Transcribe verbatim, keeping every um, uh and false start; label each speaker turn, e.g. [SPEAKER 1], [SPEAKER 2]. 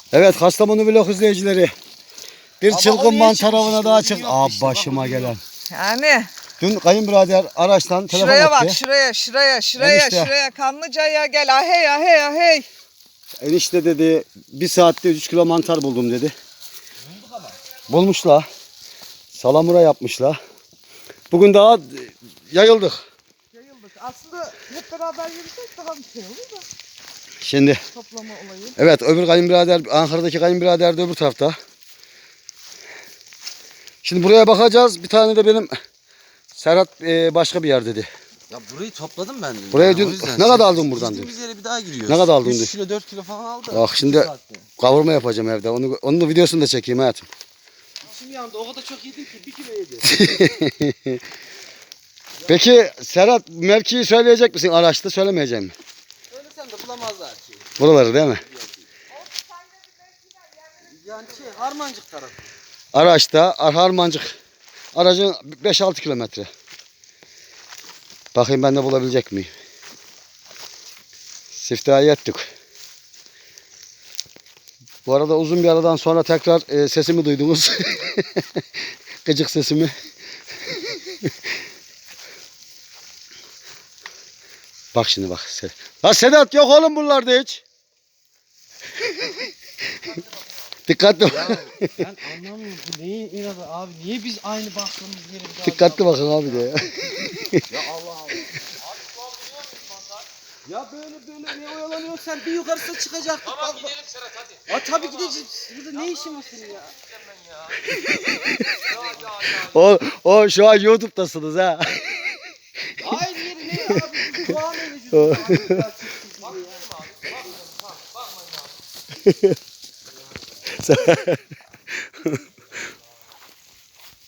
[SPEAKER 1] Evet Kastamonu vlog izleyicileri. Bir
[SPEAKER 2] Ama
[SPEAKER 1] çılgın
[SPEAKER 2] o niye
[SPEAKER 1] mantar
[SPEAKER 2] çıkmış
[SPEAKER 1] avına
[SPEAKER 2] işte,
[SPEAKER 1] daha
[SPEAKER 2] o
[SPEAKER 1] çık.
[SPEAKER 2] bilmiyor
[SPEAKER 1] Aa
[SPEAKER 2] işte, bak
[SPEAKER 1] başıma
[SPEAKER 2] o bilmiyor.
[SPEAKER 1] gelen.
[SPEAKER 3] Yani
[SPEAKER 1] Dün kayınbirader araçtan telefon
[SPEAKER 3] şuraya
[SPEAKER 1] etti.
[SPEAKER 3] bak şuraya şuraya şuraya
[SPEAKER 1] Enişte.
[SPEAKER 3] şuraya Kanlıca'ya gel ahey ahey ahey.
[SPEAKER 1] Enişte dedi bir saatte üç kilo mantar buldum dedi. Bulmuşlar. Salamura yapmışlar. Bugün daha yayıldık.
[SPEAKER 3] Yayıldık. Aslında hep beraber yürüsek daha bir şey olur da
[SPEAKER 1] Şimdi
[SPEAKER 3] toplama olayı.
[SPEAKER 1] evet öbür kayınbirader Ankara'daki kayınbirader de öbür tarafta. Şimdi buraya bakacağız. Bir tane de benim Serhat e, başka bir yer dedi.
[SPEAKER 2] Ya burayı topladım ben dün.
[SPEAKER 1] Buraya
[SPEAKER 2] yani,
[SPEAKER 1] dün-
[SPEAKER 2] o yüzden
[SPEAKER 1] ne kadar
[SPEAKER 2] şey-
[SPEAKER 1] aldın buradan
[SPEAKER 2] Gittiğimiz
[SPEAKER 1] dün?
[SPEAKER 2] yere bir daha giriyoruz.
[SPEAKER 1] Ne kadar aldın dün?
[SPEAKER 2] üç kilo dört kilo falan aldı.
[SPEAKER 1] Bak şimdi
[SPEAKER 2] iki saatte.
[SPEAKER 1] kavurma yapacağım evde. Onu, onun da videosunu da çekeyim hayatım.
[SPEAKER 2] Şimdi yanında o kadar çok yedim ki bir kilo yedi.
[SPEAKER 1] Peki Serhat mevkiyi söyleyecek misin araçta söylemeyecek mi?
[SPEAKER 2] Söylesem de bulamazlar ki.
[SPEAKER 1] Buraları değil mi?
[SPEAKER 2] Yani şey Harmancık tarafı.
[SPEAKER 1] Araçta Harmancık aracın beş altı kilometre. Bakayım ben de bulabilecek miyim? Siftahı ettik. Bu arada uzun bir aradan sonra tekrar e, sesimi duydunuz. Gıcık sesimi. Bak şimdi bak. La Sedat yok oğlum buralarda hiç. Dikkatli bak.
[SPEAKER 2] Ya ben anlamıyorum bu neyin inadı abi. Niye biz aynı baktığımız yere bir daha
[SPEAKER 1] Dikkatli bakın abi de ya.
[SPEAKER 2] Ya Allah Allah. Ya böyle böyle ne oyalanıyorsun sen bir yukarısına çıkacaktık. Tamam gidelim Serhat hadi. Ya tabii gideceğiz. Burada ne işin var senin ya?
[SPEAKER 1] O, o şu an YouTube'dasınız ha.
[SPEAKER 2] Aynı yeri ne abi? Doğa mevcut.
[SPEAKER 1] Sen-